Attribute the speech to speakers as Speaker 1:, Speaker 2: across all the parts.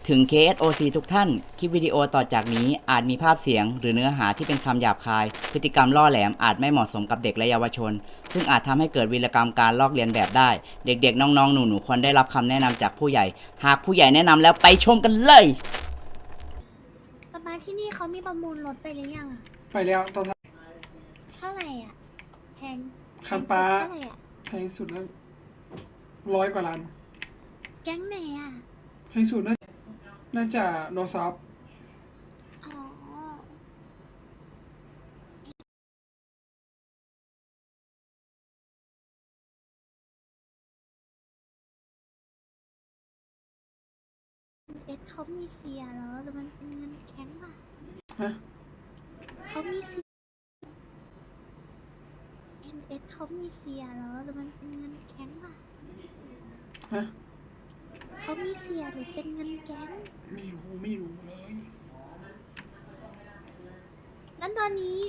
Speaker 1: ถึง KSOC ทุกท่าน คลิปวิดีโอต่อจากนี้อาจมีภาพเสียงหรือเนื้อหาที่เป็นคำหยาบคาย พฤติกรรมล่อแหลมอาจไม่เหมาะสมกับเด็กและเยาวชน ซึ่งอาจทำให้เกิดวีรกรรมการลอกเลียนแบบได้ เด็กๆ น้องๆ หนูๆ ควรได้รับคำแนะนำจากผู้ใหญ่ หากผู้ใหญ่แนะนำแล้วไปชมกันเลย
Speaker 2: ป๊าป๊าที่นี่เขามีประมูลรถไปหรือยังอะ
Speaker 3: ไปแล้วตอนท้าย
Speaker 2: เท่าไหร่อ่ะแพง
Speaker 3: คันป้า
Speaker 2: เท่าไหร่อ่ะ
Speaker 3: แพงสุดนั้น100 กว่าล้าน
Speaker 2: แก๊งไหนอ่ะ
Speaker 3: แพงสุดน่าจะโนซอฟ
Speaker 2: อ๋อเอสเขามีเสียเหรอหรือมันเป็นเงินแข็งป่ะ
Speaker 3: ฮะ
Speaker 2: เขามีเสียเอสเขามีเสียเหรอหรือมันเป็นเงินแข็งป่ะ
Speaker 3: ฮะ
Speaker 2: เขามีเสียหรือเป็นเงินแก๊ง
Speaker 3: ไม่รู้เลย
Speaker 2: นั้นตอนนี้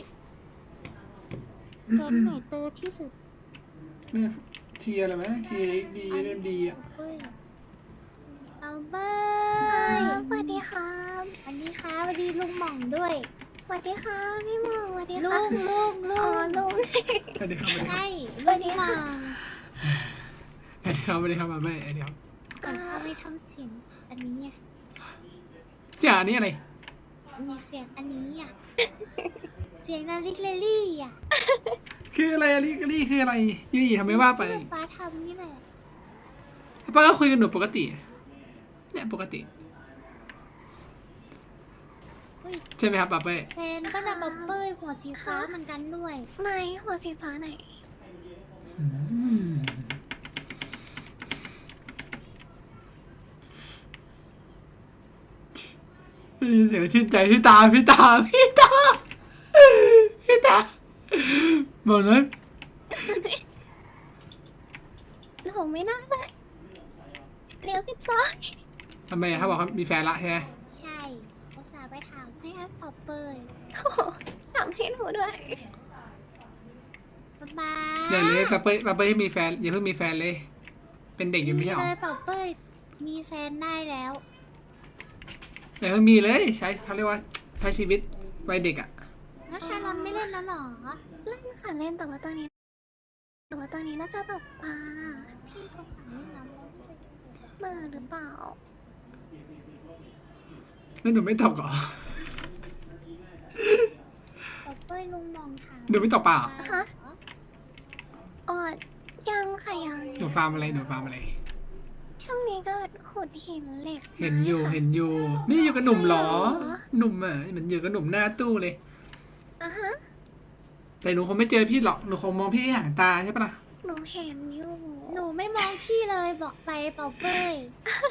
Speaker 2: แก๊งไหนเตอที่สุด
Speaker 3: แม่เทียอะไรไหมเทียดีเอ็มดีอ่ะ
Speaker 2: เอาเบยสวัสดีครับสวัสดีครับสวัสดีลุงหม่องด้วยสวัสดีค่ะพี่หม่องสวัสดีค่ะลุงอ๋อลุง
Speaker 3: สวัสดีครับ
Speaker 2: ใช่ลุงหม่อง
Speaker 3: สวัสดีครับมาแม่เดี๋ยว
Speaker 2: เอาไปทำเสียงอันนี้อ่ะ
Speaker 3: จ่านี่อะไร
Speaker 2: มีเสียงอันนี้อ่ะ เสียงนาฬิกาลี่อ่ะ
Speaker 3: คืออะไรอะลี่คืออะไรยี่ทำไมว่าไป
Speaker 2: ที่ป้าทำนี่แหละ
Speaker 3: ป้าก็คุยกันหนูปกติเนี่ยปกติ
Speaker 2: เฮ้ย
Speaker 3: ใช่ไหมครับป้าเป้
Speaker 2: แฟนก็นำบับเบิ้ลหัวสีฟ้าเหมือนกันด้วย
Speaker 4: ไหนหัวสีฟ้าไหน
Speaker 3: ได้ยินเสียงชื่นใจพี่ตาบอกนั้น
Speaker 4: หนูไม่น่าเลยเลี้ยวผิดซอย
Speaker 3: ทำไมอะเขาบอกเขามีแฟนละใช่ไหม
Speaker 2: ใช่อุตส่าห์ไปถามให้แอปบับเบิ้ล
Speaker 4: โอ้โหถามให้หนูด้วย
Speaker 2: บ๊าย
Speaker 3: อย่าเลยป้าเป้ให้มีแฟนอย่าเพิ่งมีแฟนเลย เป็นเด็กอยู่ไม่ใช่หรอ
Speaker 2: เลยบับเบิ้ลมีแฟนได้แล้ว
Speaker 3: อย่าเพิ่งมีเลยใช้เขาเรียกว่าใช้ชีวิตวัยเด็กอ่ะ
Speaker 2: แล้วชาลอนไม่เล่นแล้วเหรอ
Speaker 4: เล่นค่ะเล่นแต่ว่าตอนนี้น่าจะตกปลา
Speaker 2: พี่เขาถามไม่รับแล้วพี่ไป
Speaker 4: เบื่อหรือเปล่า
Speaker 3: แล้วหนูไม่ตอบก่อน
Speaker 2: บับเบิ้ลลุงมองถาม
Speaker 3: หนูไม่ตอบเปล่า
Speaker 4: คะอ๋อยังค่ะยัง
Speaker 3: หนูฟาร์มอะไร
Speaker 4: ช่วงนี้ก็ขุดหินเหล็ก
Speaker 3: เห็นอยู่นี่อยู่กับหนุ่มเหรอหนุ่มอ่ะเหมือนอยู่กับหนุ่มหน้าตู้เลย
Speaker 4: อ่ะฮะ
Speaker 3: แต่หนูคงไม่เจอพี่หรอกหนูคงมองพี่ห่างตาใช่ปะล่ะ
Speaker 4: หนูเห็นอยู่
Speaker 2: หนูไม่มองพี่เลยบอกไปบับเบิ้ล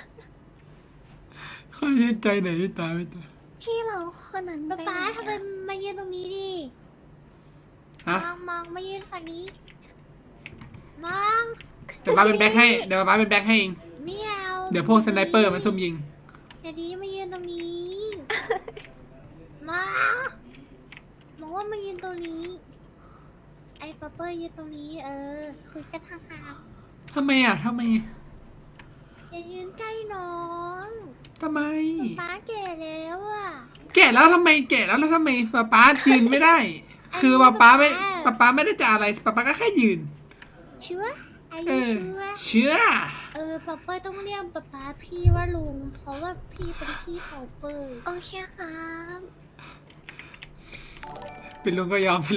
Speaker 3: ค่อยชื่นใจหน่อยพี่ตา
Speaker 4: ที่เราคนนั้น
Speaker 2: ป๊า
Speaker 4: ไป
Speaker 2: ป๊า
Speaker 4: ไหน
Speaker 2: ทำไมมายืนตรงนี้ดิ
Speaker 3: ฮะ
Speaker 2: มองมายืนฝั่งนี้ มอง
Speaker 3: เดี๋ยวป้าเป็นแบ็คให้เอง
Speaker 2: ไม่เอา
Speaker 3: เดี๋ยวพวกสไนเปอร์มันซุ่มยิง
Speaker 2: เดี๋ยวดีมายืนตรงนี้ มาบอกว่ามายืนตรงนี้ ไอ้ป๊าเปอร์ยืนตรงนี้ คุยกันห่าง
Speaker 3: ทำไม
Speaker 2: ๆอย่ายืนใกล้น้อง ป๊าแก่แล้วอ่ะ
Speaker 3: แก่แล้วทำไมป้ายืนไม่ได้ คือป้าไม่ได้จะอะไรป้าก็แค่ยืน
Speaker 2: เชื่ออา
Speaker 3: เอ
Speaker 2: ยุ
Speaker 3: อ
Speaker 2: เชื่อ
Speaker 3: เชื่อ
Speaker 2: ป๊าเปอร์ต้องเรียกป๊าพี่ว่าลุง เพราะว่าพี่เป็นพี่เขาเปอร์
Speaker 4: โอเคครับ
Speaker 3: เป็นลุงก็ยอม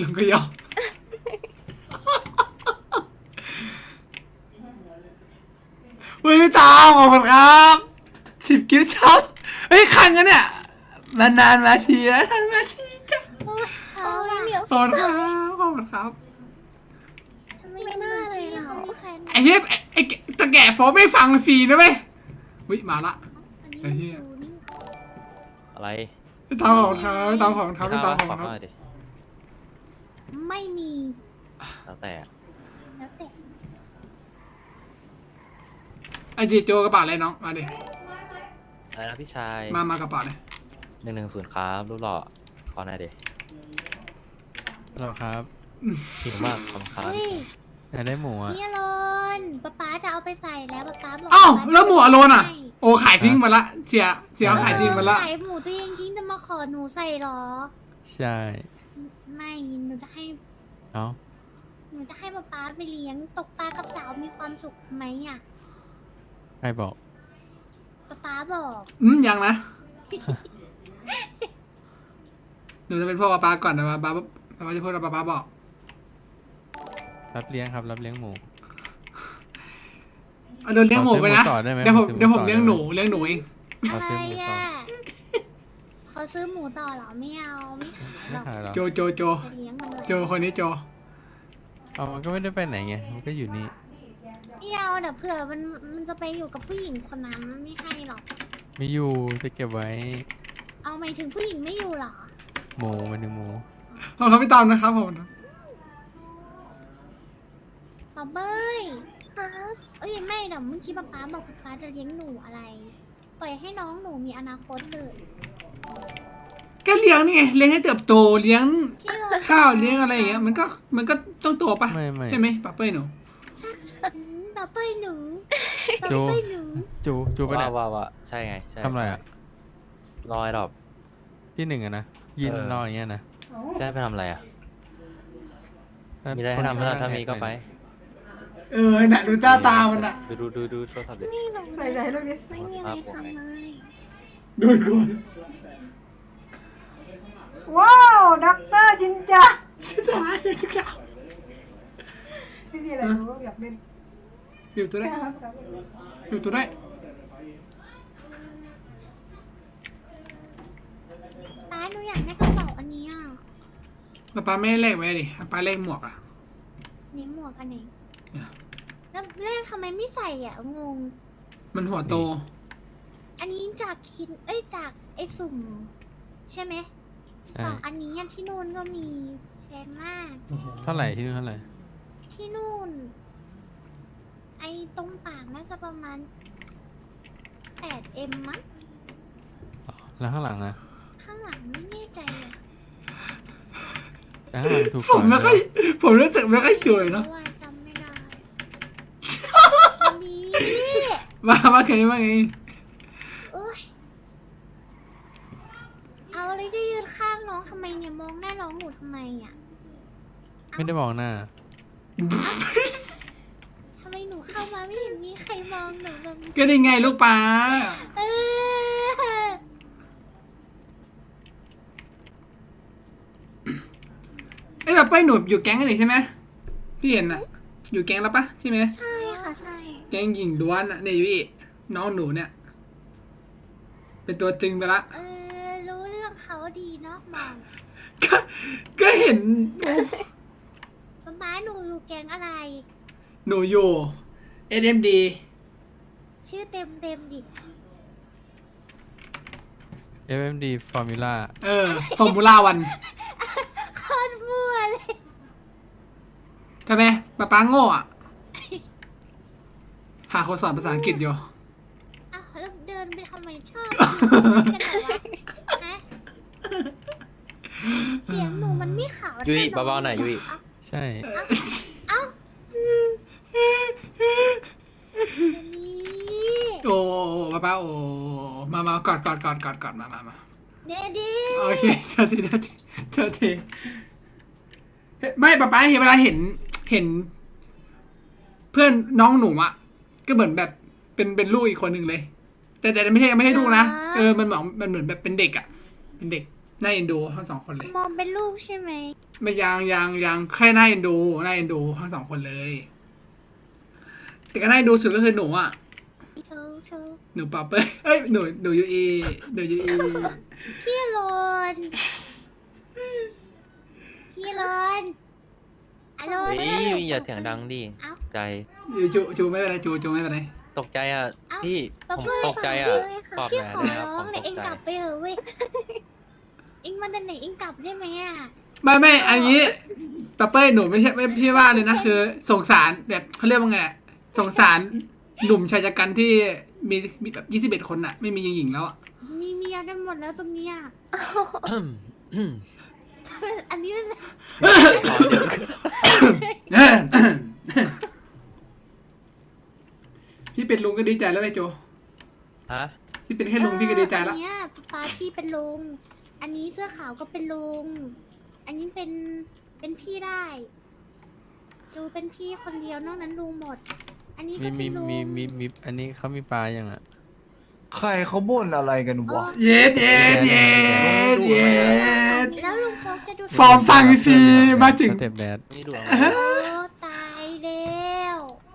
Speaker 3: เฮ้ยพี่ตาขอบคุณครับ10 กิฟต์ช็อปเฮ้ยคันกันเนี่ยมานานมาทีแล้วทันมาทีจ้ะ
Speaker 2: โอ้ยเขา
Speaker 4: โอ้ย
Speaker 2: อะ
Speaker 4: เดี๋ยว
Speaker 3: ขอบคุณครับ
Speaker 2: ทำไมไม่น่าเลยเขามีแฟน
Speaker 3: ไอ้เหี้ยไอ้ตะแก่โฟไม่ฟังฟรีนะเว้ยวิมาละ ไอ้เหี้ย
Speaker 5: อะไร
Speaker 3: พี่ตาของเขาพี่ตาของเขา
Speaker 5: มี
Speaker 3: พี่ตา
Speaker 5: ข้าว
Speaker 3: ของ
Speaker 5: ปะขอ
Speaker 3: เขา
Speaker 5: หน่อยดิ
Speaker 2: ไม่มี
Speaker 5: แล้วแต่
Speaker 2: แล้วแต่
Speaker 3: ไอ้จีโจกระเป๋าอะไรน้องมาดิ
Speaker 5: อะไรนะพี่ชาย
Speaker 3: มากระเป๋าเลย
Speaker 5: 110ครับรูปหล่อขอหน่อยดิ
Speaker 6: หรอครับ
Speaker 5: หิวมากขอบคุณครับ
Speaker 2: เฮ้ย
Speaker 6: อยากได้หมูอ่ะ
Speaker 2: พี่อรนป๊าจะเอาไปใส่แล้วป๊าบอก
Speaker 3: อ้าวแล้วหมวกอโลนอ่ะ
Speaker 2: ให้
Speaker 3: โอ้ขายทิ้งมาละเสียเอาขายทิ้งมาละ
Speaker 2: ขายหมูตัวเองทิ้งจะมาขอหนูใส่เหรอ
Speaker 6: ใช่
Speaker 2: ไม่หนูจะให้
Speaker 6: เอ้า
Speaker 2: หนูจะให้ป๊าป๊าไปเลี้ยงตกปลากับสาวมีความสุขไหมอ่ะ
Speaker 6: ใครบอก
Speaker 2: ป๊าบอก
Speaker 3: ยังนะ หนูจะเป็นพ่อป๊าก่อนนะป๊าจะพูดแล้วป๊าบอก
Speaker 6: รับเลี้ยงครับ รับเลี้ยงหมู
Speaker 3: เอาโดนเลี้ยงหมูไปนะ
Speaker 6: ขอซื้อหมูต่อได้ไหม
Speaker 3: เดี๋ยวผม
Speaker 6: ขอซื้อ
Speaker 3: เดี๋ยวผม
Speaker 6: หมูต่อ
Speaker 3: เลี้ยงหนู
Speaker 6: ได้ไหม
Speaker 3: เอง
Speaker 6: ขอ
Speaker 2: อะไร
Speaker 6: ซื้อหมูต่อ
Speaker 2: อ่ะเขาซื้อหมูต่อเหรอไม่เอาไม่ขายหร
Speaker 6: ไม่
Speaker 2: อก
Speaker 6: ขายหรอ
Speaker 3: โจ
Speaker 2: จะเลี้ยงมันเลย
Speaker 3: โจคนนี้โจ
Speaker 6: เอามันก็ไม่ได้ไปไหนไง มันก็อยู่นี่
Speaker 2: ไม่เอาเดี๋ยวเผื่อมันจะไปอยู่กับผู้หญิงคนนั้นไม่ให้หรอก
Speaker 6: ไม่อยู่จะเก็บไว้
Speaker 2: เอาหมายถึงผู้หญิงไม่อยู่เหรอ
Speaker 6: หมูมันหนึ่งหมู
Speaker 3: ขอบคุณพี่ตอมนะครับผม
Speaker 2: ป๊าเบ้ย
Speaker 4: ครับ
Speaker 2: เอ้ยไม่เดี๋ยวเมื่อกี้ป๊าบอกป๊าจะเลี้ยงหนูอะไร ปล่อยให้น้องหนูมีอนาคตเลย
Speaker 3: ก็เลี้ยงนี่ไงเลี้ยงให้เติบโตเลี้ยง
Speaker 2: พี่เลย
Speaker 3: ข้าวเลี้ยงอะไรอย่างเงี้ยมันก็ต้องโตปะ
Speaker 6: ไม่
Speaker 3: ใช่ไหมป๊าเป้ยหนู
Speaker 2: ป๊าเป้ยหนูป๊า
Speaker 6: โจ
Speaker 2: เป้ยหนู
Speaker 6: จูไปไหน
Speaker 5: ว่าใช่ไงใช่
Speaker 6: ทำอะไรอ่ะ
Speaker 5: รอไอ้ดอก
Speaker 6: ที่หนึ่งอะนะ ยิน
Speaker 5: เออ
Speaker 6: รออย่างเงี้ยนะ
Speaker 5: จะให้ไปทำอะไรอ่ะ
Speaker 6: แล้ว
Speaker 5: มีอะไรให้ทำไหมล่ะถ้ามีก็ไป
Speaker 3: น่ะดูตามันอ่ะ
Speaker 5: ดูโทรศัพท์ดิ
Speaker 4: นี่หนู
Speaker 2: ใส่ลูกนี้
Speaker 4: ไม่มีอะไรทำเลย
Speaker 3: ดูก่อน
Speaker 7: ว้าวด็อกเตอร์ชินจัง
Speaker 3: ตาเด็กสาว
Speaker 7: ไม่มีอะไรรู้อยากเล่น
Speaker 3: อยู่ตัวได้
Speaker 7: ครับ
Speaker 3: อยู่ตัวได้
Speaker 2: ป๊าหนูอยากได้กระเป๋าอันนี้อ่ะ
Speaker 3: ป๊าไม่ได้แลกไว้ดิป๊าแลกหมวกอ่ะ
Speaker 2: นี่หมวกอันไหน
Speaker 3: เนี่ย
Speaker 2: แล้วแรกทำไมไม่ใส่อ่ะงง
Speaker 3: มันหัวโต
Speaker 2: อันนี้จากจากไอ้สุ่ม ใช่ไหม
Speaker 6: ใช่
Speaker 2: สองอันนี้อันที่นู่นก็มีแพงมาก
Speaker 6: เท่าไหร่ที่นู่นเท่าไหร่
Speaker 2: ที่นู่น ไอ้ตรงปากน่าจะประมาณ 8M มั้ง
Speaker 6: อ๋อแล้วข้างหลังอะ
Speaker 2: ข้างหลังไม่แน่ใจอ่ะ
Speaker 6: แต่ข้างหลังถูก
Speaker 3: ผม
Speaker 6: ก
Speaker 3: ไม่
Speaker 6: ว่า
Speaker 3: ค่อยผมรู้สึกไม่ค่อยสวย
Speaker 2: เพ
Speaker 3: เนาะ
Speaker 2: ราะว่าจำไม่ได้อันนี้
Speaker 3: ว่าไง
Speaker 2: โอ้ยเอาอะไรจะยืนข้างน้องทำไมเนี่ยมองหน้าน้องหนูทำไมอ่ะ
Speaker 6: ไม่ได้มองหน้า
Speaker 2: ทำไมหนูเข้ามาไม่เห็นมีใครมองหนูแบบนี้
Speaker 3: ก็ได้ไงลูกป๊า
Speaker 2: เออ
Speaker 3: ไอ้แบบเป้ยหนูอยู่แก๊งกันนี่ใช่ไหมพี่เห็นน่ะ อยู่แก๊งแล้วปะใช่ไหม
Speaker 4: ใช่ค่ะใช่
Speaker 3: แก๊งหญิงล้วนอ่ะเนี่ยอยู่อีน้องหนูเนี่ย เป็นตัวตึงไปละ
Speaker 2: รู้เรื่องเขาดีเนาะมอง
Speaker 3: ก็เห็น
Speaker 2: ม้าหนูอยู่แก๊งอะไร
Speaker 3: หนูอยู่ SMD
Speaker 2: ชื่อเต็มดิ
Speaker 6: FMD Formula
Speaker 3: ฟอร์มูล่าวัน
Speaker 2: โคตรมั่วเลย
Speaker 3: ทำไมป๊าโง่อะหาคนสอนภาษาอังกฤษอยู่
Speaker 2: อ้าวแล้วเดินไปทำไมชอบกันเหรอวะฮะเสียงหนูมันไม่ขาว
Speaker 5: ยุ้ย
Speaker 2: ท่
Speaker 5: เบาๆหน่อยยุ้ย
Speaker 6: ใช่
Speaker 2: เอ้าอันนี้
Speaker 3: โอ้ป๊าโอ้มากอดมา
Speaker 2: เดดี้
Speaker 3: โอเคเธอทีไม่ป๊าเห็นเวลาเห็น เพื่อนน้องหนูอะก็เหมือนแบบเป็นลูกอีกคนหนึ่งเลย แต่ไม่ใช่ลูกนะมันเหมือนแบบเป็นเด็กอะเป็นเด็กน่าเอ็นดูทั้งสองคนเลย
Speaker 2: มองเป็นลูกใช่ไหม
Speaker 3: ไม่ยังแค่น่าเอ็นดูทั้งสองคนเลย แต่ก็น่าเอ็นดูสุดก็คือหนูอะ
Speaker 2: เธอ
Speaker 3: หนูป๊าเป้ยเอ้ยหนูยูอี
Speaker 2: พี่โรนอโรน
Speaker 5: เฮ้ยอย่าเสียงดังดิ
Speaker 2: เอ้า
Speaker 5: ใจ
Speaker 3: จูไม่เป็นไรจูไม่เป็นไร
Speaker 5: ตกใจอ่ะ
Speaker 2: เอ้า
Speaker 5: พี่
Speaker 2: ป๊า
Speaker 5: ผม
Speaker 2: เป้ย
Speaker 5: ตกใจอ่ะปลอบ
Speaker 2: พี่
Speaker 5: แห
Speaker 2: ขอ
Speaker 5: เลยครับ
Speaker 2: ร้อ
Speaker 5: ผ
Speaker 2: ง
Speaker 5: ม
Speaker 2: เลย
Speaker 5: ต
Speaker 2: เอ็ง
Speaker 5: กใจ
Speaker 2: กลับไปเถอะเว้ยเอ็งมาแต่ไหนเอ็งกลับได้ไหมอ่ะ
Speaker 3: ไม่อันนี้ป๊าเป้ยหนูไม่ใช่ไม่พี่ว่าเลยนะคือสงสารแบบเขาเรียกว่าไงสงสารหนุ่มชายชะกันที่มีแบบ21 คนอะไม่มีหญิงแล้วอะ
Speaker 2: มีเมียกันหมดแล้วตรงเนี้ยอันนี้นั่นแหละ
Speaker 3: พี่เป็นลุงก็ดีใจแล้วไอ้โจ
Speaker 5: ฮะ
Speaker 3: พี่เป็นแค่ลุงพี่ก็ดีใจละ
Speaker 2: อันเนี้ยป้าพี่เป็นลุง อันนี้เสื้อขาวก็เป็นลุง อันนี้เป็นพี่ได้ ดูเป็นพี่คนเดียวนอกนั้นลุงหมด อันนี้ก็
Speaker 6: มี
Speaker 2: เป็นลุง
Speaker 6: อันนี้เขามีปลายังอ่ะ
Speaker 8: ใครเขาบ่นอะไรกันวะ
Speaker 3: เย็ดเย็ดเย็ดเย็ด
Speaker 2: แล้วลุงโฟกจะดู
Speaker 3: ฟอร์มฟังฟรีมาถึง
Speaker 6: สเต็ปแบด
Speaker 5: นี่ดูเอา
Speaker 2: โอ้ตายแล้ว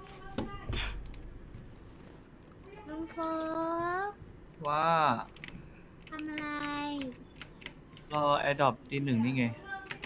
Speaker 2: ลุงโฟก
Speaker 8: ว่า
Speaker 2: ทำอะไร
Speaker 8: รอแอดดอปตีหนึ่งนี่ไง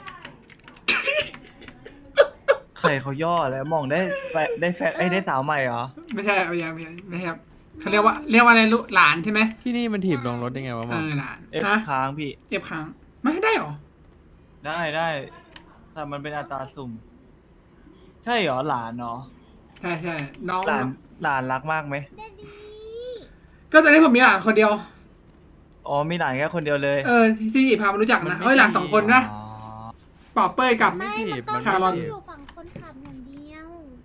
Speaker 8: ใครเขาย่อแล้วมองได้ได้แฟได้สาวใหม่เหรอ
Speaker 3: ไม่ใช่ไม่ใช่ครับเขาเรียกว่าอะไรลูกหลานใช่ไหม
Speaker 6: ที่นี่มันถีบลงรถได้ไงวะหมอ
Speaker 3: หลาน
Speaker 8: เอฟ
Speaker 3: ฮะ
Speaker 8: ค้างพี่
Speaker 3: เอฟค้างไม่ได้หรอ
Speaker 8: ได้แต่มันเป็นอัตราสุ่ม ใช่เหรอหลานเนาะ
Speaker 3: ใช่น้อง
Speaker 8: หลานรักมากไหม
Speaker 2: เดดดี้
Speaker 3: ก็ตอนนี้ผมมีหลานคนเดียว
Speaker 8: อ๋อมีหลานแค่คนเดียวเลย
Speaker 3: ที่พามารู้จักนะเอ้ยหลาน2 คนนะ
Speaker 8: อ๋อ
Speaker 3: ปอเป้ยกับ
Speaker 2: ไม่
Speaker 6: ถี
Speaker 2: มัน
Speaker 6: บ
Speaker 2: ต้อง
Speaker 6: มัน
Speaker 3: ชาลอน
Speaker 2: ให้เขาอยู่ฝั่งคนขับอย่างเดียว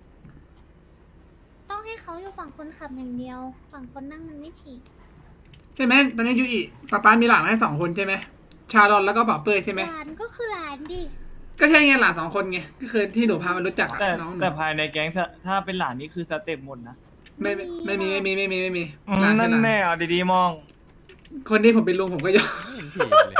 Speaker 2: ต้องให้เขาอยู่ฝั่งคนขับอย่างเดียว ฝั่งคนนั่งมันไม่ผิด
Speaker 3: ใช่ไหมตอนนี้ยูอิป้ามีหลานให้2 คนใช่ไหมชาลอนแล้วก็ปอเป้ยใช่ไหม
Speaker 2: หลานก็คือหลานดิ
Speaker 3: ก็ใช่ไงหลาน2 คนไงก็คือที่หนูพามารู้จักอะ
Speaker 8: แต่
Speaker 3: น้องหนู
Speaker 8: แต่ภายในแก๊งถ้าเป็นหลานนี่คือสเต็ปหมดนะ
Speaker 3: ไม่มีหลาน
Speaker 8: นั่น
Speaker 3: หลาน
Speaker 8: แน่เอาดีๆมอง
Speaker 3: คนที่ผมเป็นลุงผมก็ยอม
Speaker 6: ไม่เห็นถีบเลย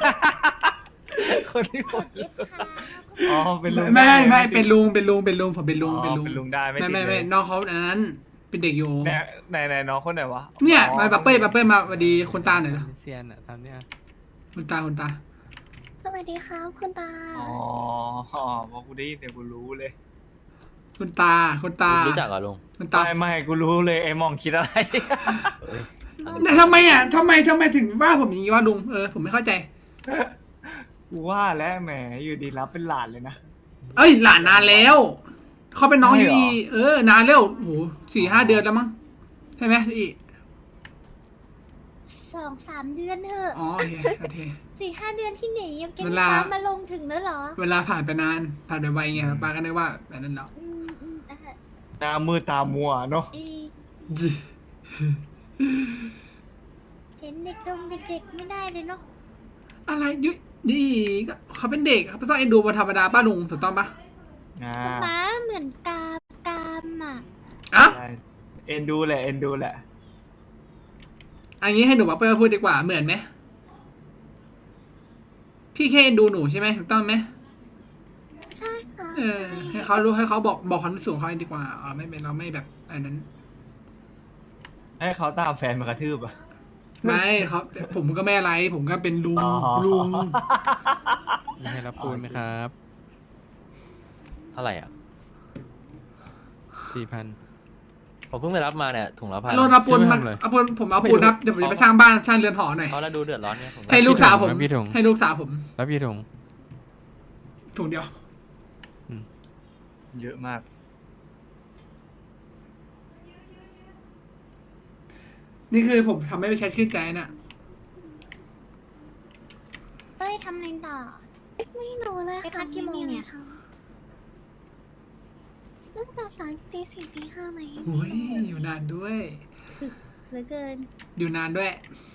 Speaker 8: คนที่คน
Speaker 2: เอฟค้าง
Speaker 8: อ๋อเป็นลุง
Speaker 3: ไม่เป็นลุงผมเป็นลุง
Speaker 8: อ๋อเป็นลุงได้ไม่ติดเลย
Speaker 3: ไม่น้องเขาอันนั้นเป็นเด็กอยู่
Speaker 8: ไหนน้องคนไหนวะ
Speaker 3: เนี่ยมาปอเป้ยมาสวัสดีคุณตาหน่อยนะ
Speaker 6: เซียนอ่ะทำเนี่ย
Speaker 3: คุณตา
Speaker 4: สวัสดีครับคุณตา
Speaker 8: อ๋อพอกูได้ยินเดี๋ยวกูรู้เลย
Speaker 3: คุณตา
Speaker 5: รู้จักเหรอลุง
Speaker 3: คุณตา
Speaker 8: ไม่กูรู้เลยไอ้มองคิดอะไร
Speaker 5: เอ้ย
Speaker 3: แต่ทำไมถึงว่าผมอย่างนี้ว่าลุงผมไม่เข้าใจ
Speaker 8: กูว่าแล้วแหมอยู่ดีรับเป็นหลานเลยนะ
Speaker 3: เอ้ยหลานนานแล้วเขาเป็นน้อง
Speaker 8: ใช่
Speaker 3: ยู
Speaker 8: เหรอ
Speaker 3: อีนานแล้วโห4-5 เดือนแล้วมั้งใช่ไหมยูอี
Speaker 2: 2-3 เดือนเถอะ
Speaker 3: อ๋อโอเค
Speaker 2: 4-5 เดือนที่ไหนยังเก็บ
Speaker 3: เวลา
Speaker 2: ฟ้ามาลงถึงแล้วเหรอ
Speaker 3: เวลาผ่านไปนานผ่านไปไวไงป้าก็นึกว่าแบบนั้นแล้ว
Speaker 8: หน้ามือตามัวเนาะ
Speaker 2: เห็นเด็กดงเด็กๆไม่ได้เลยเนาะ
Speaker 3: อะไรยูอีก็เขาเป็นเด็กเขาต้องเอ็นดูเป็นธรรมดาป้าลุงถูกต้องปะ
Speaker 2: ม้าเหมือนกามอ่ะ
Speaker 3: อ่ะ
Speaker 8: ใช่เอ็นดูแหละเอ็นดูแหละ
Speaker 3: อันนี้ให้หนูป้าเปิ้ลพูดดีกว่าเหมือนไหมพี่แค่เอ็นดูหนูใช่ไหมถูกต้องไหม
Speaker 4: ใช่ค่ะ
Speaker 3: ให้เขารู้ให้เขาบอกความรู้สึกของเขาดีกว่าไม่เป็นเราไม่แบบอันนั้น
Speaker 8: ให้เขาตามแฟนมากระทืบอ่ะ
Speaker 3: ไม่เขาผมก็ไม่อะไร ผมก็เป็นลุง
Speaker 8: อ๋อ
Speaker 3: ลุง
Speaker 6: มีให้รับปูนไหมครับ
Speaker 5: เท่าไหร่อ่ะ
Speaker 6: 4,000
Speaker 5: ผมเพิ่งไปรับมาเนี่ยถุงละพัน
Speaker 3: รถเอาปูน
Speaker 6: ซื้อ
Speaker 3: มา
Speaker 6: มาทำอะไร
Speaker 3: เอาปูนผมเอาปูนครับเดี๋ยวผมจะไปสร้างบ้านสร้างเรือนหอหน่อย
Speaker 5: เขาแล้วดูเดือดร้อนเนี่ยผมก็
Speaker 3: ให้ลูกสาวผม
Speaker 6: พี่ถุง
Speaker 3: ให้ลูกสาวผม
Speaker 6: แล้วพี่ถุง
Speaker 3: ถุงเดียว
Speaker 8: เยอะมาก
Speaker 3: นี่คือผมทำให้ไปใช้ชื่นใจน่ะ
Speaker 2: เต้ยทำอะไรต่อ
Speaker 4: ไม่รู้เลย
Speaker 2: ไปพั
Speaker 4: ค่ะ
Speaker 2: กกี่โมงเนี่ย
Speaker 4: น่าจะ3 ตี 4 ตี 5ไหม
Speaker 3: โอ้ยอยู่นานด้วย
Speaker 2: เหลือเกิน
Speaker 3: อยู่นานด้วย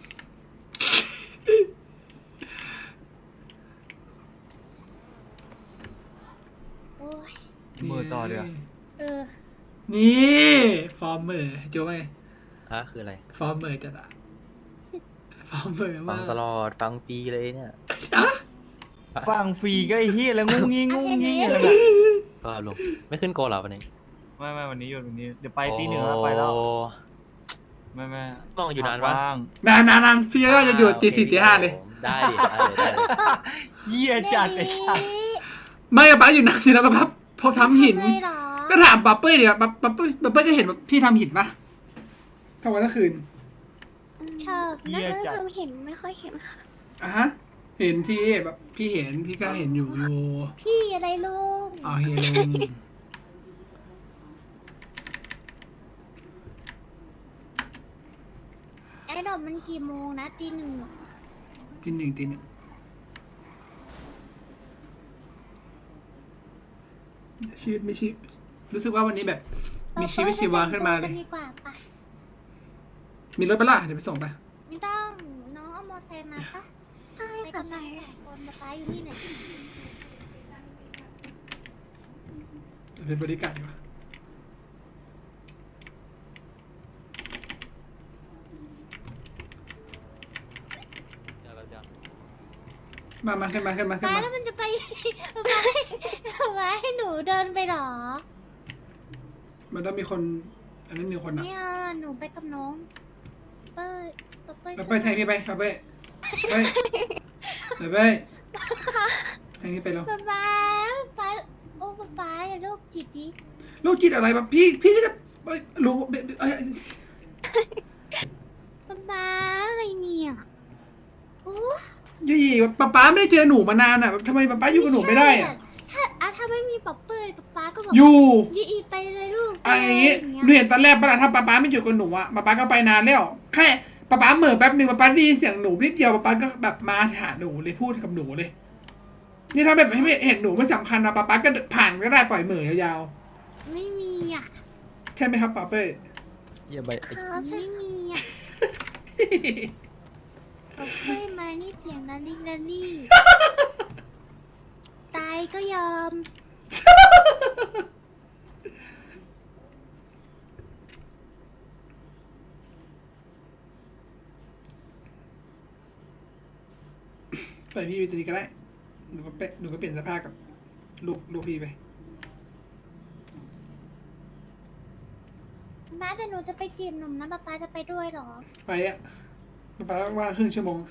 Speaker 2: โอ้ย
Speaker 8: มือต่อเดี๋ยว
Speaker 2: เออ
Speaker 3: นี่ฟอร์มเมอร์โจ้ไง
Speaker 5: ฮะคืออะไร
Speaker 3: ฟอร์มเมอร์จัดอะฟอร์มเมอร์
Speaker 5: ฟั
Speaker 3: มาง ก
Speaker 5: ตลอดฟังฟรีเลยเนี่ย
Speaker 8: ฟังฟรีก็ไอ้เฮียแล้วงุ้งงี้อะไรแบบ
Speaker 5: ก็ลุงไม่ขึ้นโกเหรอวันนี้
Speaker 8: ไม่วันนี้หยุดวันนี้เดี๋ยวไปตีหนึ่งแล้วไปแล้ว
Speaker 5: โอ้
Speaker 8: ไม่
Speaker 5: มองอยู่นานปะ
Speaker 8: ว่าง
Speaker 3: นานพี่ก็จะอยู่ตี 4 ตี 5เลย
Speaker 5: ได้ดิได้เลยได้เลย
Speaker 8: เฮียจัดไอ้สัส
Speaker 3: ไม่ป้าอยู่นานสินะป้าพอทำหิน
Speaker 2: เลยเหรอ
Speaker 3: ก็ถามป้าเป้ยเดี๋ยวป้าเป้ยก็เห็นว่าพี่ทำหินปะทั้งวันทั้งคืน
Speaker 2: ชอบ
Speaker 8: เฮีย
Speaker 4: น่า
Speaker 8: จัด
Speaker 4: จะเห็นไม่ค่อยเห็นค่ะ
Speaker 3: อ่ะฮะเห็นที่แบบพี่เห็นพี่ก็เห็นอยู่
Speaker 2: พี่อะไรลุง
Speaker 3: อ๋อเห็นลุง
Speaker 2: ไอ้ดอกมันกี่โมงนะตี 1
Speaker 3: จีนหนึ่งชีวิตไม่ชีรู้สึกว่าวันนี้แบบ มีชีวิตชีวาขึ้นมาเลย
Speaker 2: ดีกว่าปะ
Speaker 3: มีรถไปะล่ะเดี๋ยวไปส่งไป
Speaker 2: ไม่ต้องน้องเอามอไซค์มาปะ
Speaker 4: ใช่
Speaker 2: ไป
Speaker 4: ค่ะ
Speaker 2: กับ
Speaker 4: ใช่
Speaker 2: น้อง2 คนป๊าอยู่นี่ไหนอย
Speaker 3: เป็นบริการดีกว่า
Speaker 5: เดี๋ยวแป๊บเดียว
Speaker 3: มาขึ้นมา
Speaker 2: ป๊าแล้วมันจะไป ป๊าให้หนูเดินไปเหรอ
Speaker 3: มันต้องมีคนอันนั้นมีคนอ่ะ
Speaker 2: เนี่ยหนูไปกับน้องเป้ยเป้ย
Speaker 3: ไปแทงนี่ไปไปแทงนี่ไปแล้ว
Speaker 2: ป๊าโอ้ป๊าอย่าโรคจิตดิ
Speaker 3: ลูกจิตอะไรแบบพี่นี่ก็รู้เอ้ย
Speaker 2: ป๊าอะไรเนี่ยโอ้
Speaker 3: ยี่ป๊าไม่ได้เจอหนูมานานอ่ะทำไมป๊าอยู่กับหนูไม่ได้อ่ะ
Speaker 2: ถ้าไม่มีป๊อปเปอร์ป๊าก็บอก
Speaker 3: อยู่
Speaker 2: ยีไปเลยลูก
Speaker 3: อะไรอย่างงี้หนูเห็นตอนแรกปะล่ะถ้าป๊าไม่อยู่กับหนูอ่ะป๊าก็ไปนานแล้วแค่ป๊าเหม่อแป๊บหนึ่งป๊าได้ยินเสียงหนูนิดเดียวป๊าก็แบบมาหาหนูเลยพูดกับหนูเลยนี่ถ้าแบบไม่เห็นหนูไม่สำคัญนะป๊าก็ผ่านก็ได้ปล่อยเหม่อยาว
Speaker 2: ไม่มีอ่ะ
Speaker 3: ๆใช่ไหมครับป๊าเป้
Speaker 5: เยี่ยใบ
Speaker 4: ครับใช่
Speaker 2: ไม่มีอ่ะป๊อปเปอร์มานี่เสียงดันนี่ตายก็ยอม
Speaker 3: ปล่อยพี่ไปตีก็ได้หนูก็เปลี่ยนเสื้อผ้ากับลูกพี่ไป
Speaker 2: ป๊าแต่หนูจะไปจีบหนุ่มนะป๊าจะไปด้วยเหรอ
Speaker 3: ไปอ่ะป๊าว่างครึ่งชั่วโมง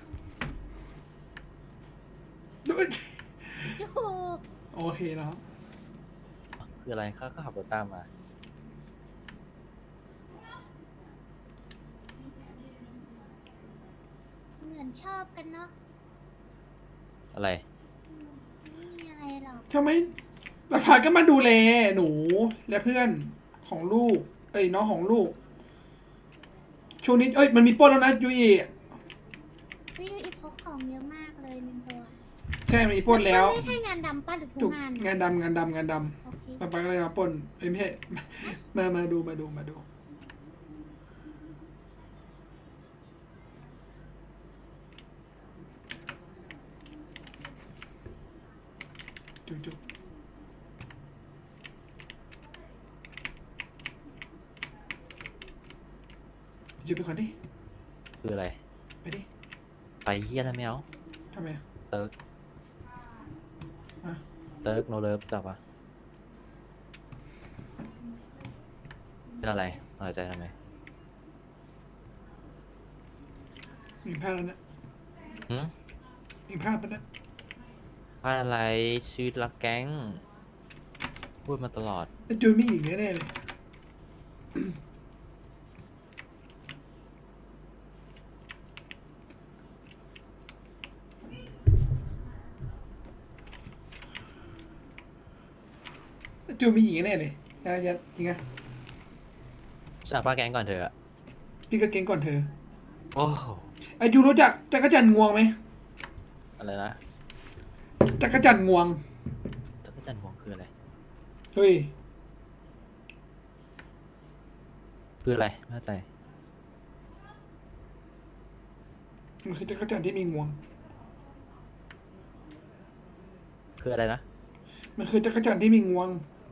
Speaker 3: ดู
Speaker 2: โอ้โห
Speaker 3: โอเคเนาะ
Speaker 5: คืออะไรเขาก็ขับรถตามมา
Speaker 2: เหมือนชอบกันเนาะ
Speaker 5: อะไร
Speaker 2: ไม่มีอะไรหรอก
Speaker 3: ทำไมป๊าก็มาดูแลหนูและเพื่อนของลูกน้องของลูกช่วงนี้มันมีปล้นแล้วนะยุย
Speaker 2: วิวอีพกของเยอะมากเลยหนึ่งตัว
Speaker 3: ใช่มันมีปล้นแล้ว
Speaker 2: ไม่ใช่งานดำป้าหรือทุ
Speaker 3: ถู
Speaker 2: ก
Speaker 3: ก
Speaker 2: งาน
Speaker 3: งานดำ
Speaker 2: โอเค
Speaker 3: ป๊าก็เลยมาปล้นไม่ใช่มาดูจุ๊บจุ๊บไปก่อนดิ
Speaker 5: คืออะไร
Speaker 3: ไปดิ
Speaker 5: ไปเฮียแล้วไม่เอา
Speaker 3: ทำไม
Speaker 5: เติร์ก
Speaker 3: อ่ะ
Speaker 5: เติร์กโนเลิฟจับปะเป็นอะไรหายใจทำไม
Speaker 3: มีพลาดแล้วนะ
Speaker 5: หืม
Speaker 3: มีพลาดไปแล้ว
Speaker 5: พลาดอะไรชื่อรักแก๊ง พูดมาตลอด
Speaker 3: แล้วจูนไม่หญิงแน่ๆเลยจูนไม่หญิงแน่ๆเลยยัดจริงอะ
Speaker 5: จากป้าแก๊งก่อนเถอะ
Speaker 3: พี่ก็เก่งก่อนเธอ
Speaker 5: โอ้โห
Speaker 3: ไอจูรู้จักจักรจันทร์งวงไหม
Speaker 5: อะไรนะ
Speaker 3: จักรจันทร์งวง
Speaker 5: จักรจันทร์หวงคืออะไร
Speaker 3: เฮ้ย
Speaker 5: คืออะไรไม่เข้าใจ
Speaker 3: มันคือจักรจันทร์ที่มีงวง
Speaker 5: คืออะไรนะ
Speaker 3: มันคือจักรจันทร์ที่มีงวง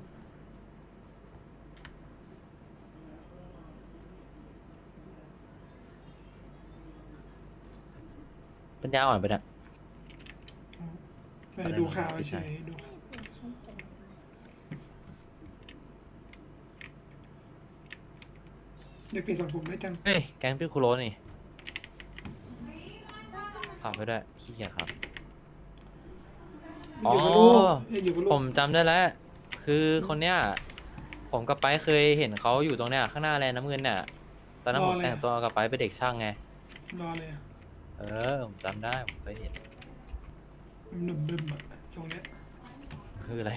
Speaker 5: ปัญญาอ่อนไปเนี่ย
Speaker 3: ไปดูข่าวเฉยดูเด็กเปลี่ยนสังผมได้จัง
Speaker 5: เฮ้ย แก๊งพี่คุโรนี่ขับไปด้วยขี้เกียจครับ
Speaker 3: อยู่กับลูกอยู่กับลู
Speaker 5: ผ
Speaker 3: ก
Speaker 5: มจำได้แล้ว คือคนเนี้ย ผมกับไปเคยเห็นเขาอยู่ตรงเนี้ยข้างหน้าแลนด์น้ำเงินเนี่ย ตอนนั้นผมแต่งตัวกับไปเป็นเด็กช่างไง
Speaker 3: รอเลยอะ
Speaker 5: ผมจำได้ ผมเคยเห็น
Speaker 3: หนุ่มบึมอะตรงเนี้ย
Speaker 5: คืออะไร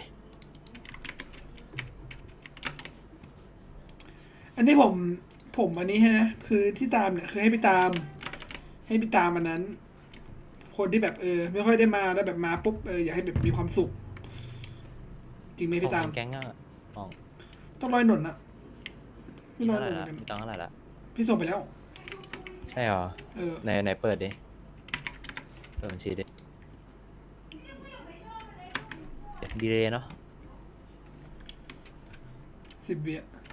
Speaker 3: อันนี้ผมอันนี้นะคือที่ตามเนี่ยคือให้ไปตามอันนั้น คนที่แบบไม่ค่อยได้มาแล้วแบบมาปุ๊บอยากให้แบบมีความสุข จริงไหมพี่ตาม
Speaker 5: ของแก๊งอะมอง
Speaker 3: ต้องร้อยหนุนอะไม่
Speaker 5: มี
Speaker 3: ร้อย
Speaker 5: เท่า
Speaker 3: ห
Speaker 5: ไหร่
Speaker 3: นุน
Speaker 5: ละ
Speaker 3: กัน
Speaker 5: มีตังค์เท่าไหร่ละ
Speaker 3: พี่ส่งไปแล้ว
Speaker 5: ใช่หรอ
Speaker 3: เออ
Speaker 5: ไหนเปิดดิเปิดบัญชีดิดีเลยเนาะ
Speaker 3: 10 วิ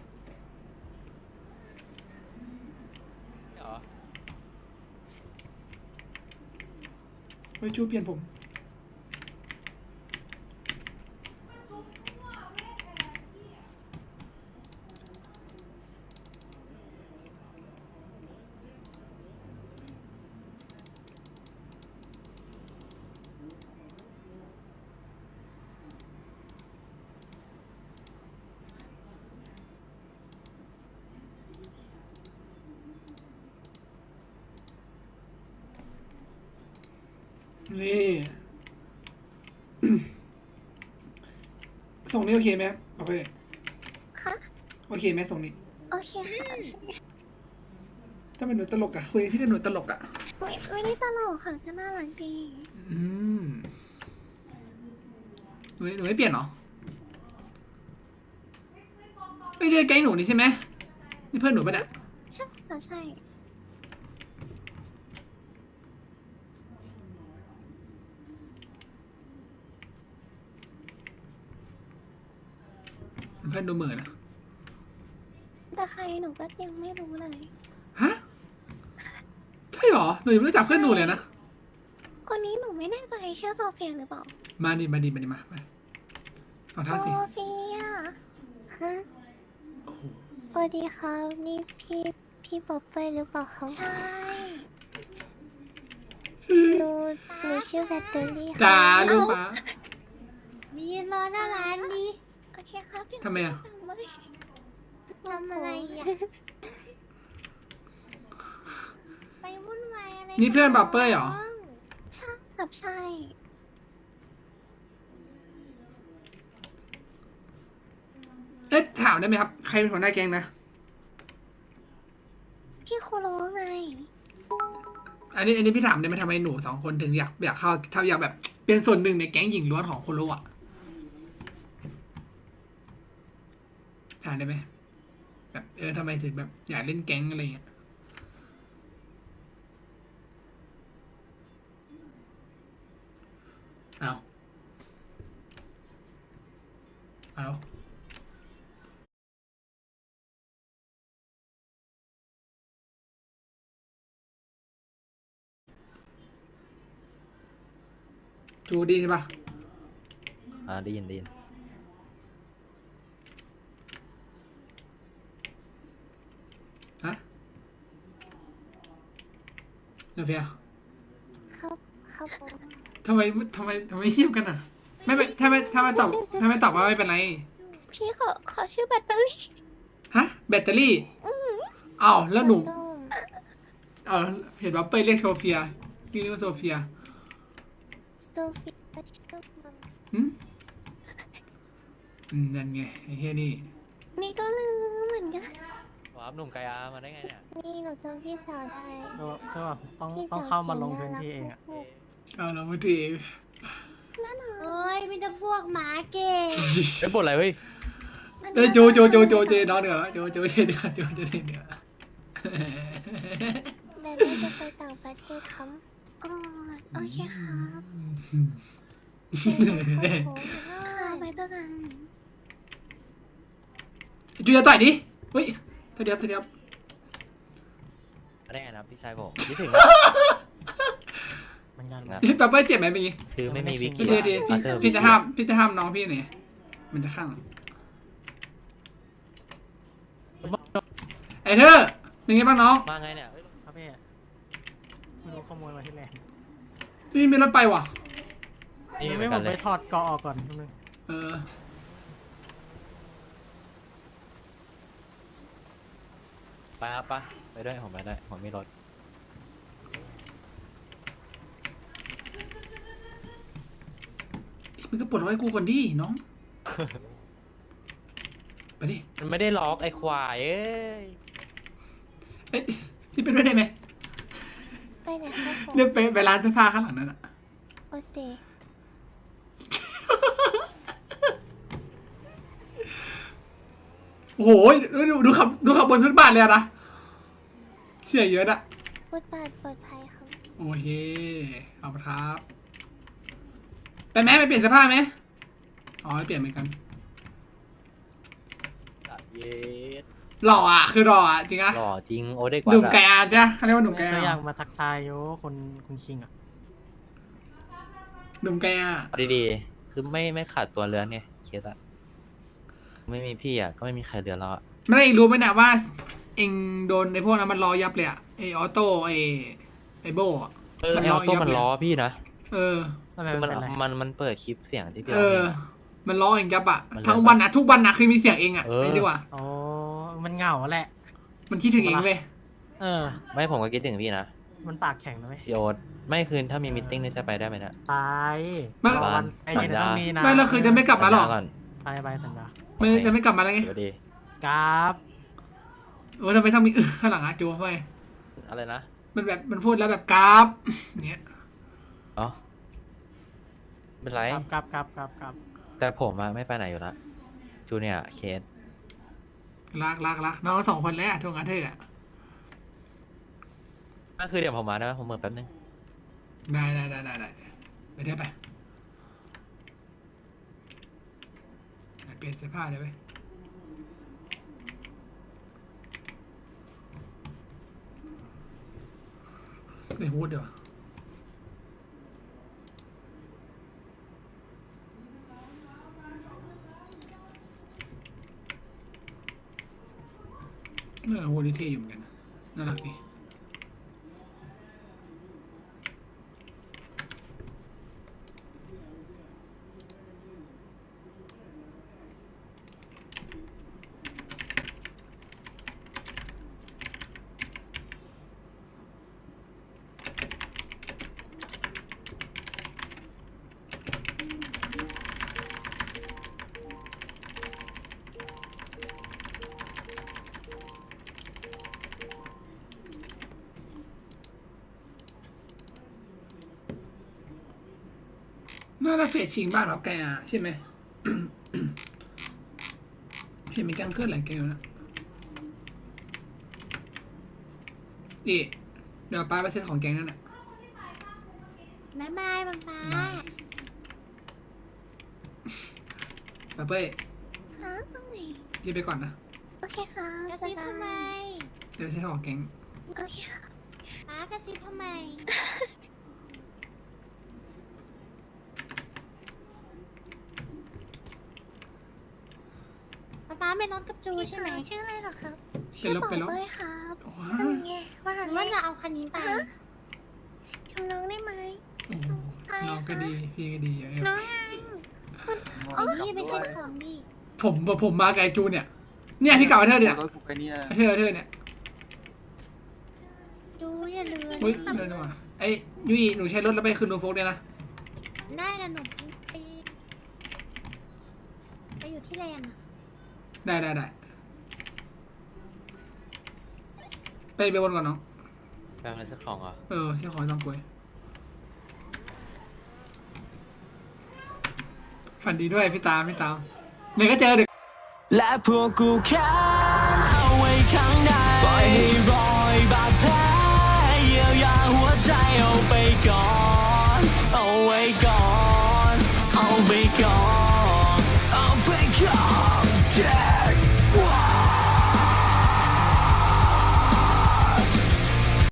Speaker 5: เหรอ
Speaker 3: ไว้จูเปลี่ยนผมนี่ ส่งนี้โอเคไหมโอเค
Speaker 4: ค่ะ
Speaker 3: โอเคไหมส่งนี้
Speaker 4: โอเคค่ะโอเค
Speaker 3: ถ้าเป็นหนูตลกอะคุยกับพี่เป็นหนูตลกอะ
Speaker 4: ไม่ได้ตลกค่ะก็น่ารักดี
Speaker 3: อืมหนูไม่เปลี่ยนเหรอไม่ใช่แก๊งหนูนี่ใช่ไหมนี่เพื่อนหนูปะเนี่ย
Speaker 4: ใช่ค่ะใช่
Speaker 3: เพื่อนดูเหมือนนะ
Speaker 4: แต่ใครหนูก็ยังไม่รู้เลย
Speaker 3: ฮะใช่เหรอหนูยังไม่รู้จักเพื่อนหนูเลยนะ
Speaker 4: คนนี้หนูไม่แน่ใจชื่อโซเฟียหรือเปล่า
Speaker 3: มาดิมาเอา
Speaker 4: โซ
Speaker 3: เท้าสิ
Speaker 4: เฟีย
Speaker 2: ฮะสวัสดีครับนี่พี่ป๊อปเป้ยหรือเปล่าครับ
Speaker 4: ใช่
Speaker 2: หนูชื่อแบตเตอรี่ค่ะ
Speaker 3: จ้าลูกมา
Speaker 2: มีรอหน้าร้านดิ
Speaker 4: โอเคครับเดี๋ยว
Speaker 3: ทำไมอะ
Speaker 4: สั่งมาเลย
Speaker 2: ทำอะไรอ่ะไปวุ่นวายอะไร
Speaker 3: นี่เพื่อนบับเป้ยเหรอ
Speaker 4: ใช่ครับใช่
Speaker 3: เอ๊ะถามได้ไหมครับ ใครเป็นหัวหน้าแก๊งนะ
Speaker 4: พี่โคโรไง
Speaker 3: อันนี้พี่ถามได้ไหมทำไมหนูสองคนถึงอยากเข้าถ้าอยากแบบเป็นส่วนหนึ่งในแก๊งหญิงล้วนของโคโรอะถามได้ไหมแบบทำไมถึงแบบอยากเล่นแก๊งอะไรเงี้ยเอาจูดีใช่ปะ
Speaker 5: ได้ยิน
Speaker 3: ฮะเดี๋ยวเฟีย
Speaker 2: ครับผม
Speaker 3: ทำไมเงียบกันอ่ะ ไม่ถ้าไม่ตอบว่าไม่เป็นไร
Speaker 4: พี่ขอชื่อแบตเตอรี่
Speaker 3: ฮะ แบตเตอรี่อ้าวแล้วหนู
Speaker 2: ต้ม
Speaker 3: เอาเห็นว่าเป้ยเรียกโซเฟียนี่เรียกว่าโซเฟีย
Speaker 2: โซเฟียชื่อมัน
Speaker 3: นั่นไงไอ้เฮียนี่
Speaker 4: นี่ก็ลืมเหมือนกัน
Speaker 5: ว้าวหนุ่มไกอามาได้ไงเนี่ย
Speaker 2: นี่หนูจำพี่สาวได้
Speaker 9: คือแบบต้อง
Speaker 2: พี่สว
Speaker 9: ต้องเข้ามาลง
Speaker 2: สี
Speaker 9: พื้น
Speaker 2: รัก
Speaker 9: ที่เองอะ
Speaker 2: มาก
Speaker 3: เอาเราไม่ดี
Speaker 2: เอ้ยมีแต่พวกหมาเก่ง
Speaker 5: เอ้ยบทอะไรเฮ้ย
Speaker 3: โจเจน้องเดือโจเจเดือโจเจเดือ
Speaker 2: แต่ได้จะไปต่างประเทศครับ
Speaker 4: อ๋อโอเคครับ
Speaker 2: เป็นคนโห
Speaker 4: ค่ะไปเจอกัน
Speaker 3: จูจะต่อยดิเฮ้ยเทียบ
Speaker 5: มาได้ไงนะพี่ชายผมคิดถึง
Speaker 9: มันงาน
Speaker 5: ครับ
Speaker 3: เฮ้ยป้าเป้ยเจ็บไหมเป็นไง
Speaker 5: คือไม่มีวิก
Speaker 3: พี่
Speaker 5: กี้
Speaker 3: ดี
Speaker 5: อะ
Speaker 3: พี่จะห้ามน้องพี่หน่อยมันจะข้างไอ้เธอเป็นไงบ้างน้อง
Speaker 5: มาไงเนี่ยเฮ้ย
Speaker 9: ครับพี่ไม่รู้ขโมยมาที่แรก
Speaker 3: พี่มีรถไปว่ะ
Speaker 5: นี่เหมื
Speaker 9: ไม่
Speaker 5: อน
Speaker 9: ผ
Speaker 5: กัน
Speaker 9: ม
Speaker 5: เล
Speaker 9: ไป
Speaker 5: ย
Speaker 9: ถอดเกาะออกก่อนนิดนึง
Speaker 3: เออ
Speaker 5: ไปครับไปด้วยผมไปได้ผมมีรถ
Speaker 3: มึงก็ปลดล็อกให้กูก่อนดิน้องไปดิ
Speaker 5: มันไม่ได้ล็อกไอ้ควายเอ้ย
Speaker 3: เอ้ยพี่เป็นด้วยได้ไหม
Speaker 2: ไปไหนครับผม
Speaker 3: เรียกไปร้านเสื้อผ้าข้างหลังนั่นอะ
Speaker 2: โอเซ
Speaker 3: โอ้โหดูขับบนฟุตบาทเลยอะนะเชี่ยเยอะอะ
Speaker 2: ฟุตบาทปลอดภัยครับ
Speaker 3: โอเคเอาละครับไปไหมไปเปลี่ยนเสื้อผ้าไหมอ๋อไม่เปลี่ยนเหมือนกัน
Speaker 5: เย็ด
Speaker 3: หล่ออ่ะคือหล่ออ่ะจริงอ่ะ
Speaker 5: หล่อจริงโอเด็กวั
Speaker 3: หนุ่ม
Speaker 5: ด
Speaker 3: ไก่
Speaker 5: อะ
Speaker 3: อาจ้ะเขาเรียกว่าหนุ่มไก่
Speaker 9: ก็
Speaker 3: อา
Speaker 9: อยากมาทักทายโยคุณคิงอ่ะ
Speaker 3: หนุ่มไก่อา
Speaker 5: เอาดีๆคือไม่ขาดตัวเรือนไงเคสอะไม่มีพี่อะก็ไม่มีใครเดือดร้อนอะ
Speaker 3: ไม่ได้รู้ไหมเนี่ยว่า เองโดนในพวกนั้นมันล้อยับเลยอ่ะไอออโต้ไอโบอ่ะ
Speaker 5: ไอออโต้มันล้อพี่นะ
Speaker 3: เออ
Speaker 9: ทำไม
Speaker 5: คือ
Speaker 9: มั
Speaker 5: มัน น
Speaker 9: เป็นไร
Speaker 5: มันเปิดคลิปเสียงที่พี่
Speaker 3: เอ
Speaker 5: ร้อง
Speaker 3: อ
Speaker 5: เพลงอะ
Speaker 3: มันล้อเองยับอ่ะ
Speaker 5: มัน
Speaker 3: ทั้งวันอ่ะทุกวันอ่ะคือมีเสียงเองอ่ะ
Speaker 5: เออ
Speaker 3: ไอ้ดีกว่า
Speaker 9: โอ้มันเหงาแหละ
Speaker 3: มันคิดถึงเองเว้ย
Speaker 9: เออ
Speaker 5: ไม่ผมก็คิดถึงพี่นะ
Speaker 9: มันปากแข็งนะเว้ย
Speaker 5: พี่โอ๊ตไม่คืนถ้ามีมิทติ้งนี่จะไปได้ไหมเนะ
Speaker 9: ไป
Speaker 3: ไม่
Speaker 9: รอวันไอ้เนี่ยต้องมีนะ
Speaker 3: ไม่แล้วคือจะไม่กลับมาหรอ
Speaker 5: ก่อน
Speaker 9: ไปสัญญา
Speaker 3: ไม่จะไม่กลับมาแล้วไง
Speaker 5: เดี๋ยวดี
Speaker 9: กราฟ
Speaker 3: โอ้ทำไมต้องมีข้างหลังอ่ะจูทำไม
Speaker 5: อะไรนะ
Speaker 3: มันแบบมันพูดแล้วแบบกราฟเนี้ย
Speaker 5: อ๋อเป็นไร
Speaker 9: กราฟ
Speaker 5: แต่ผมอะไม่ไปไหนอยู่ละจูเนี่ยร์เคส
Speaker 3: รักน้องสองคนแล้วทวงอาเธอร์อ่ะ
Speaker 5: ก็คือเดี๋ยวผมมาได้ไหมผมเหมือนแป๊บนึง
Speaker 3: ได้ไปเถอะไปเปลี่ยนเสื้อผ้าเลยเว้ยไม่ฮูดเดี๋ยวาฮูดนี่เท่อยู่เหมือนกันนะน่ารักดีน่าจะเฟดชิงบ้านรับแกอ่ะใช่ไหม เห็นมีการเคลื่อนไหวแกอยู่นะนี่เดี๋ยวป้าไปเซ็ตของแกงนั่นแหละ
Speaker 2: บ๊ายบายป๊าป๊า
Speaker 3: ป้าเป้ย
Speaker 4: ครับตรงไหน
Speaker 3: ยืมไปก่อนนะ
Speaker 4: โอเคครับ
Speaker 2: กระซิบทำไม
Speaker 3: เดี๋ยวไปเซ็ตของแกง
Speaker 4: โอเคครับ
Speaker 2: ป๊ากระซิบทำไมป๊าเป็นน้องกับจูใช่ไหม
Speaker 4: ชื่ออะไรเหรอครับ
Speaker 3: ไป
Speaker 4: ชื่อ
Speaker 3: ลบ
Speaker 4: ปอ
Speaker 3: ไปลบ
Speaker 4: เป้ยครับ
Speaker 3: โอ้
Speaker 4: เป็นไงว่า
Speaker 2: หรือ
Speaker 4: ไง
Speaker 2: ว่าจะเอาคันนี้ไป
Speaker 4: ชมน้องได้ไหม
Speaker 3: โหน้องก็ดีพี่ก็ดีอย่างเงี้ย
Speaker 4: น้อง
Speaker 2: พี่ไปเซ็นของดิ
Speaker 3: ผมมาไกบไอ้จูเนี่ยพี่กลับมาเธอเนี่ย
Speaker 10: รถผูกไอ้เนี่ย
Speaker 3: เธอเนี่ย
Speaker 2: ดูอย่าลืม
Speaker 3: อุ้ยเดินมาไอ้ยุ้ยหนูใช้รถแล้วไปคืนนูโฟกเนี่ยนะ
Speaker 2: ได้นะหนูไปอยู่ที่แลนด์อะ
Speaker 3: ได้ไปบนก่อนน้อง
Speaker 5: แป๊บนึงสักของเหรอ
Speaker 3: ที่ขอจองกล้วยฝันดีด้วยพี่ตามเดี๋ยวก็เจอเด็ก
Speaker 11: และพวกกูแค้นเอาไว้ข้างในปล่อยให้รอยบาดแผลเยียวยาหัวใจเอาไปก่อนเอาไว้ก่อนเอาไปก่อนเอาไปก่อน